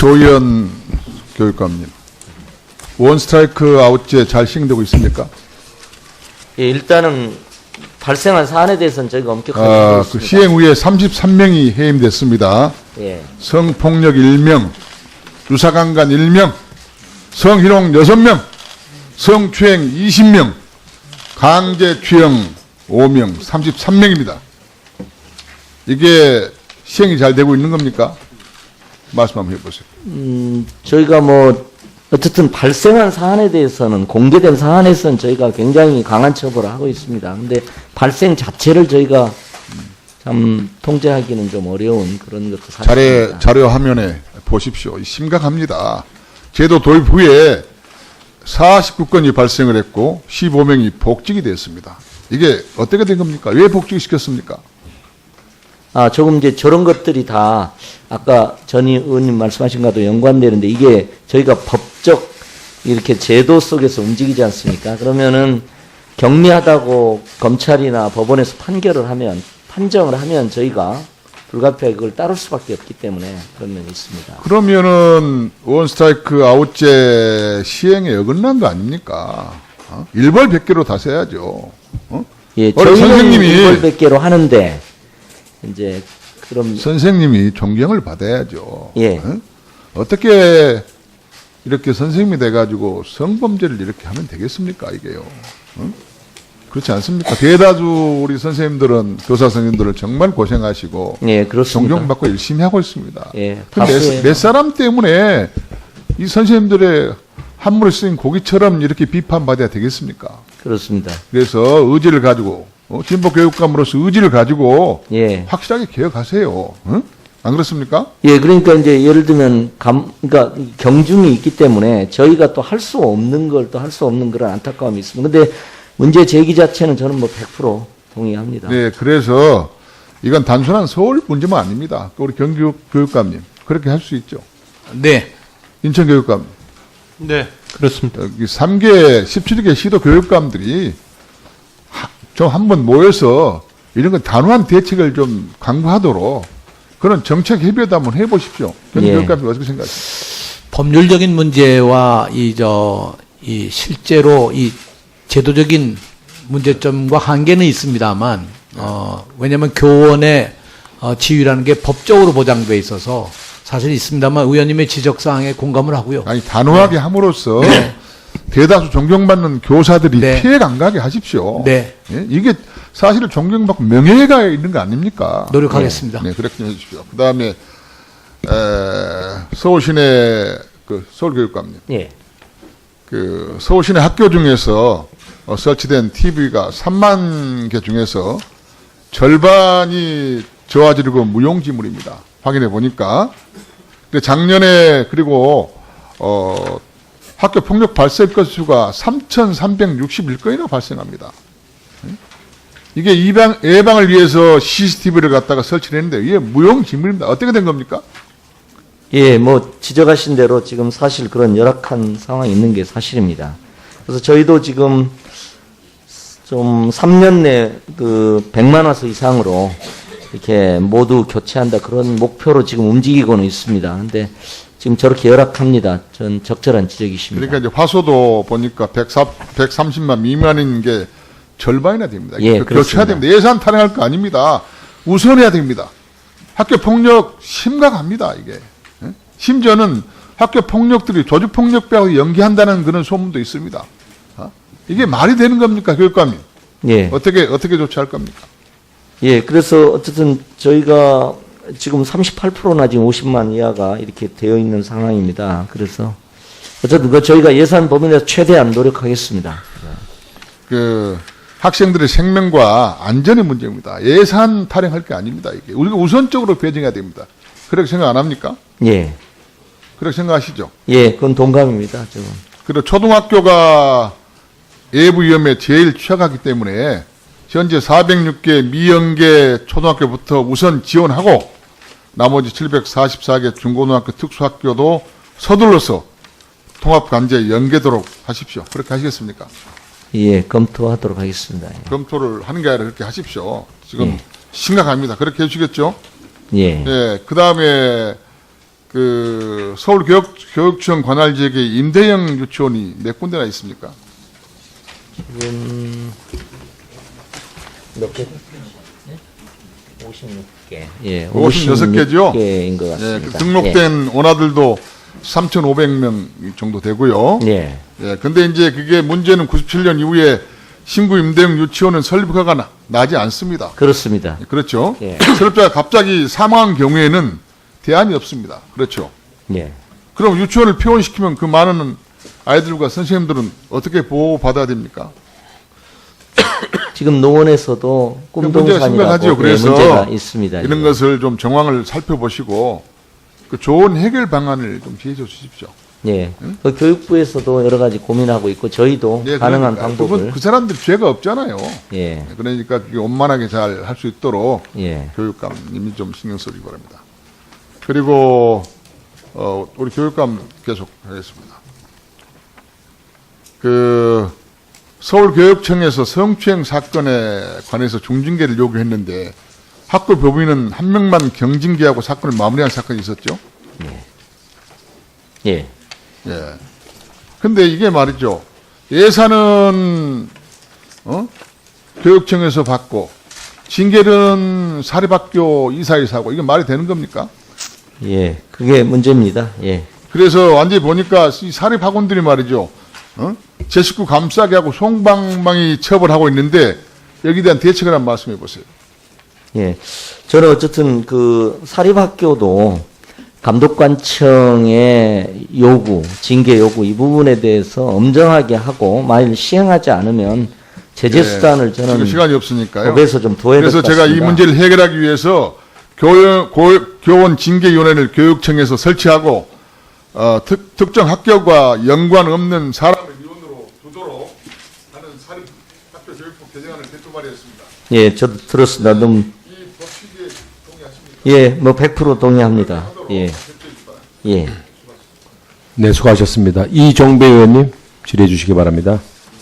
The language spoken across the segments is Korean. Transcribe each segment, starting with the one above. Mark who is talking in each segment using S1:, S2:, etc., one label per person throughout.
S1: 조희연 교육감님, 원스트라이크 아웃제 잘 시행되고 있습니까?
S2: 예, 일단은 발생한 사안에 대해서는 저희가 엄격하게 하고
S1: 그
S2: 있습니다.
S1: 시행 후에 33명이 해임됐습니다.
S2: 예,
S1: 성폭력 1명, 유사강간 1명, 성희롱 6명, 성추행 20명, 강제추형 5명, 33명입니다. 이게 시행이 잘 되고 있는 겁니까? 말씀 한번 해보세요.
S2: 저희가 뭐 어쨌든 발생한 사안에 대해서는 공개된 사안에서는 저희가 굉장히 강한 처벌을 하고 있습니다. 근데 발생 자체를 저희가 참 통제하기는 좀 어려운 그런 것도 사실입니다.
S1: 자료 화면에 보십시오. 심각합니다. 제도 도입 후에 49건이 발생을 했고 15명이 복직이 됐습니다. 이게 어떻게 된 겁니까? 왜 복직을 시켰습니까?
S2: 조금 이제 저런 것들이 다 아까 전 의원님 말씀하신 것과도 연관되는데 이게 저희가 법적 이렇게 제도 속에서 움직이지 않습니까? 그러면은 경미하다고 검찰이나 법원에서 판정을 하면 저희가 불가피하게 그걸 따를 수밖에 없기 때문에 그런 면이 있습니다.
S1: 그러면은 원스트라이크 아웃제 시행에 어긋난 거 아닙니까? 일벌 100개로 다 써야죠.
S2: 예,
S1: 우리 선생님이
S2: 이걸 100개로 하는데 이제 그럼
S1: 선생님이 존경을 받아야죠.
S2: 예.
S1: 어떻게 이렇게 선생님이 돼가지고 성범죄를 이렇게 하면 되겠습니까, 이게요? 그렇지 않습니까? 대다수 우리 선생님들은, 교사 선생님들은 정말 고생하시고,
S2: 예, 그렇습니다.
S1: 존경받고 열심히 하고 있습니다.
S2: 예,
S1: 몇 사람 때문에 이 선생님들의 한물에 쓰인 고기처럼 이렇게 비판받아야 되겠습니까?
S2: 그렇습니다.
S1: 그래서 의지를 가지고, 진보 교육감으로서 의지를 가지고,
S2: 예.
S1: 확실하게 개혁하세요. 응? 안 그렇습니까?
S2: 예, 그러니까 이제 예를 들면 그러니까 경중이 있기 때문에 저희가 또 할 수 없는 걸 또 할 수 없는 그런 안타까움이 있습니다. 근데 문제 제기 자체는 저는 뭐 100% 동의합니다.
S1: 네, 그래서 이건 단순한 서울 문제만 아닙니다. 우리 경기 교육감님 그렇게 할 수 있죠.
S3: 네.
S1: 인천 교육감.
S3: 네. 그렇습니다.
S1: 여기 3개, 17개 시도 교육감들이 좀 한번 모여서 이런 거 단호한 대책을 좀 강구하도록 그런 정책 협의도 한번 해보십시오. 경기
S2: 예.
S1: 교육감님 어떻게 생각하세요?
S3: 법률적인 문제와 이 실제로 이 제도적인 문제점과 한계는 있습니다만, 왜냐하면 교원의 지위라는 게 법적으로 보장돼 있어서 사실 있습니다만 의원님의 지적사항에 공감을 하고요.
S1: 아니, 단호하게 함으로써
S3: 네.
S1: 대다수 존경받는 교사들이
S3: 네.
S1: 피해 안 가게 하십시오.
S3: 네.
S1: 예? 이게 사실은 존경받고 명예가 있는 거 아닙니까?
S3: 노력하겠습니다.
S1: 네, 그렇게 해주십시오. 그 다음에, 서울시내, 서울교육감님.
S2: 예.
S1: 서울시내 학교 중에서 설치된 TV가 3만 개 중에서 절반이 저화질이고 무용지물입니다. 확인해 보니까. 근데 작년에, 그리고, 학교 폭력 발생 건수가 3,361건이나 발생합니다. 이게 예방을 위해서 CCTV를 갖다가 설치를 했는데 이게 무용지물입니다. 어떻게 된 겁니까?
S2: 예, 뭐 지적하신 대로 지금 사실 그런 열악한 상황이 있는 게 사실입니다. 그래서 저희도 지금 좀 3년 내 100만 화소 이상으로 이렇게 모두 교체한다 그런 목표로 지금 움직이고는 있습니다. 근데 지금 저렇게 열악합니다. 전 적절한 지적이십니다.
S1: 그러니까 이제 화소도 보니까 130만 미만인 게 절반이나 됩니다.
S2: 예,
S1: 교체해야
S2: 그렇습니다.
S1: 됩니다. 예산 탄핵할 거 아닙니다. 우선해야 됩니다. 학교 폭력 심각합니다, 이게. 예? 심지어는 학교 폭력들이 조직 폭력배하고 연계한다는 그런 소문도 있습니다. 이게 말이 되는 겁니까, 교육감님?
S2: 예.
S1: 어떻게 조치할 겁니까?
S2: 예, 그래서 어쨌든 저희가 지금 38%나 지금 50만 이하가 이렇게 되어 있는 상황입니다. 그래서 어쨌든 저희가 예산 범위 내에서 최대한 노력하겠습니다.
S1: 학생들의 생명과 안전의 문제입니다. 예산 탈행할 게 아닙니다, 이게. 우리가 우선적으로 배정해야 됩니다. 그렇게 생각 안 합니까?
S2: 예.
S1: 그렇게 생각하시죠?
S2: 예, 그건 동감입니다, 지금.
S1: 그리고 초등학교가 예부 위험에 제일 취약하기 때문에 현재 406개 미연계 초등학교부터 우선 지원하고 나머지 744개 중고등학교 특수학교도 서둘러서 통합관제에 연계도록 하십시오. 그렇게 하시겠습니까?
S2: 예, 검토하도록 하겠습니다. 예.
S1: 검토를 하는 게 아니라 그렇게 하십시오. 지금
S2: 예.
S1: 심각합니다. 그렇게 해주시겠죠?
S2: 예.
S1: 예. 그 다음에 그 서울교육청 관할 지역에 임대형 유치원이 몇 군데나 있습니까?
S2: 지금 몇 개? 56개. 예,
S1: 56개죠?
S2: 56개인 것
S1: 예,
S2: 같습니다.
S1: 그 등록된 원아들도 3,500명 정도 되고요.
S2: 예.
S1: 예, 근데 이제 그게 문제는 97년 이후에 신구 임대형 유치원은 설립 허가가 나지 않습니다.
S2: 그렇습니다.
S1: 그렇죠.
S2: 예.
S1: 설립자가 갑자기 사망한 경우에는 대안이 없습니다. 그렇죠.
S2: 예.
S1: 그럼 유치원을 폐원시키면 그 많은 아이들과 선생님들은 어떻게 보호받아야 됩니까?
S2: 지금 노원에서도
S1: 문제가
S2: 꿈동산이라고
S1: 심각하죠. 그래서
S2: 문제가 있습니다.
S1: 이런
S2: 예.
S1: 것을 좀 정황을 살펴보시고 그 좋은 해결 방안을 좀 제시해 주십시오.
S2: 예. 그 교육부에서도 여러 가지 고민하고 있고 저희도
S1: 예,
S2: 가능한
S1: 그러니까
S2: 방법을
S1: 그 사람들 죄가 없잖아요.
S2: 예.
S1: 그러니까 그게 원만하게 잘 할 수 있도록
S2: 예.
S1: 교육감님이 좀 신경 쓰기 바랍니다. 그리고 우리 교육감 계속 하겠습니다. 그 서울교육청에서 성추행 사건에 관해서 중징계를 요구했는데 학교 교부인은 한 명만 경징계하고 사건을 마무리한 사건이 있었죠.
S2: 예.
S1: 예. 근데 이게 말이죠. 예산은 교육청에서 받고 징계는 사립학교 이사에서 하고 이게 말이 되는 겁니까?
S2: 예. 그게 문제입니다. 예.
S1: 그래서 완전히 보니까 이 사립학원들이 말이죠. 제 식구 감싸게 하고 송방망이 처벌하고 있는데 여기에 대한 대책을 한번 말씀해 보세요.
S2: 예. 저는 어쨌든 그 사립학교도 감독관청의 요구, 징계 요구 이 부분에 대해서 엄정하게 하고 만일 시행하지 않으면 제재 수단을
S1: 지금
S2: 저는
S1: 시간이 없으니까요.
S2: 법에서 좀 둬야 될 것
S1: 그래서
S2: 같습니다.
S1: 제가 이 문제를 해결하기 위해서 교원 징계위원회를 교육청에서 설치하고 특정 학교와 연관 없는 사람을 위원으로 두도록 하는 사립학교 교육법 개정안을 대표 발의했습니다.
S2: 예, 저도 들었습니다. 너무
S1: 이 법 취지에 동의하십니까?
S2: 예, 뭐 100% 동의합니다. 예. 예.
S4: 네, 수고하셨습니다. 이종배 의원님 질의해 주시기 바랍니다.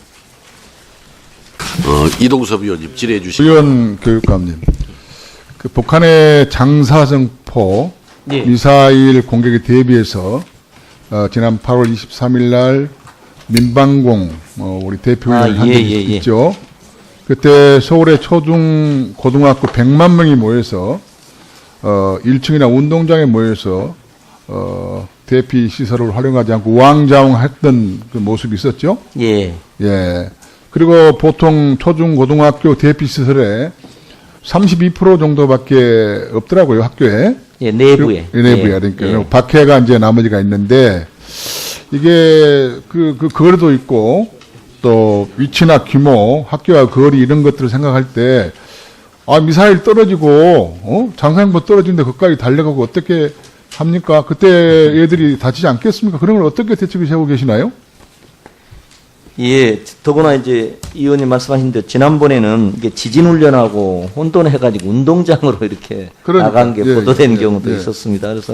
S5: 이동섭 의원님 질의해 주시기
S1: 의원 교육감님, 그 북한의 장사정포
S2: 예.
S1: 미사일 공격에 대비해서 지난 8월 23일 날 민방공 우리 대표위원 한 적이 있죠. 그때 서울의 초중 고등학교 100만 명이 모여서 1층이나 운동장에 모여서 대피 시설을 활용하지 않고 우왕좌왕했던 그 모습이 있었죠.
S2: 예.
S1: 예. 그리고 보통 초중 고등학교 대피 시설에 32% 정도밖에 없더라고요, 학교에.
S2: 예, 내부에.
S1: 내부에.
S2: 예.
S1: 그러니까
S2: 예.
S1: 박해가 이제 나머지가 있는데 이게 그 거리도 있고 또 위치나 규모, 학교와 거리 이런 것들을 생각할 때 미사일 떨어지고 장사행보 떨어지는데 거기까지 달려가고 어떻게 합니까? 그때 애들이 다치지 않겠습니까? 그런 걸 어떻게 대책을 세우고 계시나요?
S2: 예, 더구나 이제 이 의원님 말씀하신 대로 지난번에는 이게 지진훈련하고 혼돈해가지고 운동장으로 이렇게
S1: 그러니까,
S2: 나간 게
S1: 예,
S2: 보도된
S1: 예,
S2: 경우도
S1: 예.
S2: 있었습니다. 그래서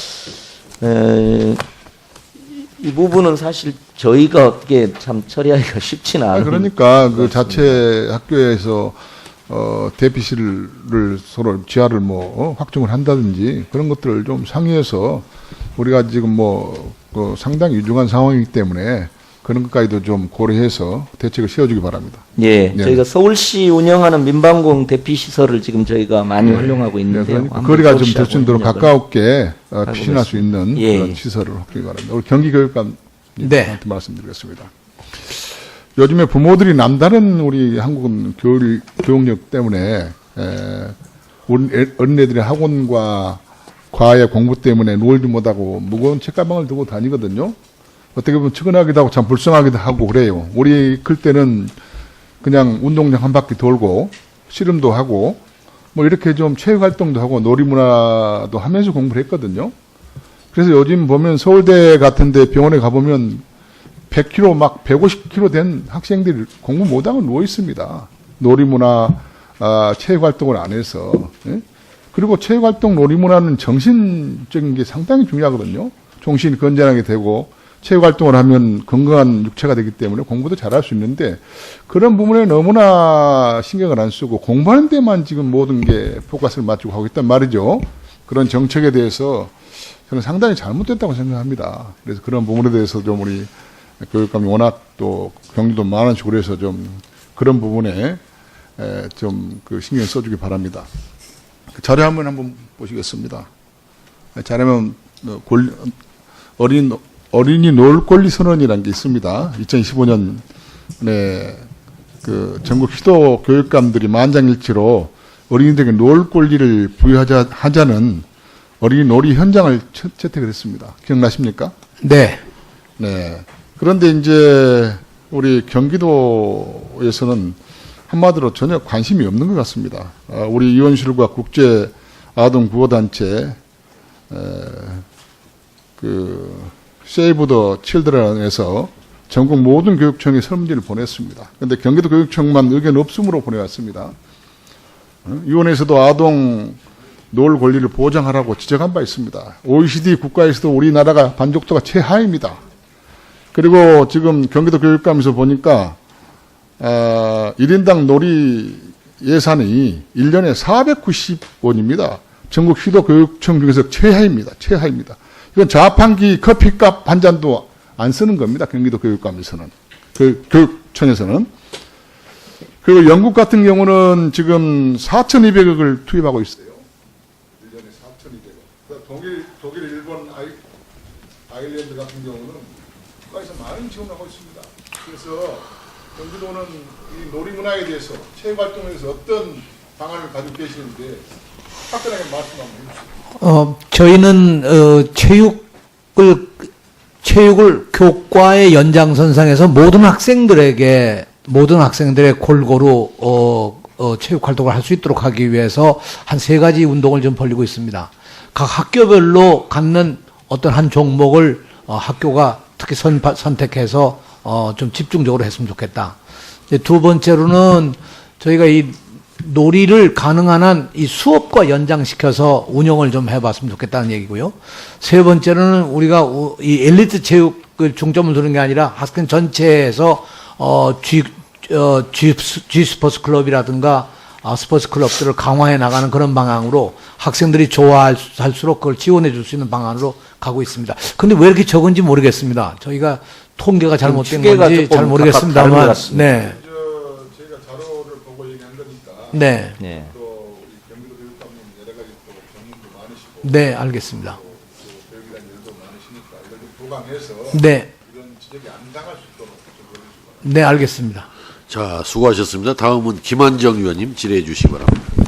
S2: 이 부분은 사실 저희가 어떻게 참 처리하기가 쉽지는 않은.
S1: 그러니까 그 자체 학교에서 대피실을 서로 지하를 확정을 한다든지 그런 것들을 좀 상의해서 우리가 지금 그 상당히 유중한 상황이기 때문에 그런 것까지도 좀 고려해서 대책을 세워주기 바랍니다.
S2: 예,
S1: 예.
S2: 저희가 서울시 운영하는 민방공 대피 시설을 지금 저희가 많이 활용하고 있는데요.
S1: 그러니까
S2: 한번
S1: 거리가 좀
S2: 서울시하고
S1: 될 수 있도록
S2: 협력을
S1: 가깝게 피신할 수 있는
S2: 예.
S1: 그런 시설을 확보하기 바랍니다. 우리 경기교육감한테
S3: 네.
S1: 말씀드리겠습니다. 요즘에 부모들이 남다른 우리 한국은 교육력 때문에 우리 어린애들의 학원과 과외 공부 때문에 놀지 못하고 무거운 책가방을 두고 다니거든요. 어떻게 보면 측은하기도 하고 참 불쌍하기도 하고 그래요. 우리 클 때는 그냥 운동장 한 바퀴 돌고 씨름도 하고 이렇게 좀 체육활동도 하고 놀이문화도 하면서 공부를 했거든요. 그래서 요즘 보면 서울대 같은데 병원에 가보면 100kg 막 150kg 된 학생들이 공부 못하고 누워 있습니다. 놀이문화 체육활동을 안 해서. 예? 그리고 체육활동 놀이문화는 정신적인 게 상당히 중요하거든요. 정신이 건전하게 되고 체육활동을 하면 건강한 육체가 되기 때문에 공부도 잘할 수 있는데 그런 부분에 너무나 신경을 안 쓰고 공부하는 데만 지금 모든 게 포커스를 맞추고 하고 있단 말이죠. 그런 정책에 대해서 저는 상당히 잘못됐다고 생각합니다. 그래서 그런 부분에 대해서 좀 우리 교육감이 워낙 또 경리도 많으시고 그래서 좀 그런 부분에 좀 그 신경 써주기 바랍니다. 그 자료 한번 보시겠습니다. 자료면 어린이 놀 권리 선언이라는 게 있습니다. 2015년에 그 전국 시도 교육감들이 만장일치로 어린이들에게 놀 권리를 부여하자는 어린이 놀이 현장을 채택을 했습니다. 기억나십니까?
S3: 네.
S1: 네. 그런데 이제 우리 경기도에서는 한마디로 전혀 관심이 없는 것 같습니다. 우리 이원실과 국제 아동 구호단체 그 세이브 더 칠드런에서 전국 모든 교육청에 설문지를 보냈습니다. 그런데 경기도 교육청만 의견 없음으로 보내왔습니다. 위원회에서도 아동 놀 권리를 보장하라고 지적한 바 있습니다. OECD 국가에서도 우리나라가 만족도가 최하입니다. 그리고 지금 경기도 교육감에서 보니까 1인당 놀이 예산이 1년에 490원입니다. 전국 시도 교육청 중에서 최하입니다. 최하입니다. 이건 자판기 커피값 한 잔도 안 쓰는 겁니다. 경기도 교육감에서는. 교육청에서는. 그리고 영국 같은 경우는 지금 4,200억을 투입하고 있어요. 1년에 4,200억. 독일, 일본, 아일랜드 같은 경우는 국가에서 많은 지원하고 있습니다. 그래서 경기도는 이 놀이문화에 대해서 체육활동에서 어떤 방안을 가지고 계시는데 확실하게 말씀 한번 해주세요.
S3: 저희는 체육을 교과의 연장선상에서 모든 학생들의 골고루 체육 활동을 할 수 있도록 하기 위해서 한 3가지 운동을 좀 벌이고 있습니다. 각 학교별로 갖는 어떤 한 종목을 학교가 특히 선택해서 좀 집중적으로 했으면 좋겠다. 이제 두 번째로는 저희가 이 놀이를 가능한 한 이 수업과 연장시켜서 운영을 좀 해봤으면 좋겠다는 얘기고요. 세 번째로는 우리가 이 엘리트 체육을 중점을 두는 게 아니라 학생 전체에서 G 스포츠 클럽이라든가 스포츠 클럽들을 강화해 나가는 그런 방향으로 학생들이 좋아할수록 그걸 지원해 줄 수 있는 방안으로 가고 있습니다. 근데 왜 이렇게 적은지 모르겠습니다. 저희가 통계가 잘못된 건지 잘 모르겠습니다만, 네.
S1: 저희가 자료를 보고 얘기한 거니까.
S3: 네.
S2: 네.
S1: 또 우리 경기도 교육감님 여러 가지 또 전문도 많으시고.
S3: 네, 알겠습니다.
S1: 또 교육이란 일도 많으시니까 이걸 좀 보강해서
S3: 네.
S1: 이런 지적이 안 당할 수 있도록 좀 해주시기 바랍니다.
S3: 네, 알겠습니다.
S5: 자, 수고하셨습니다. 다음은 김한정 의원님 질의해 주시기 바랍니다.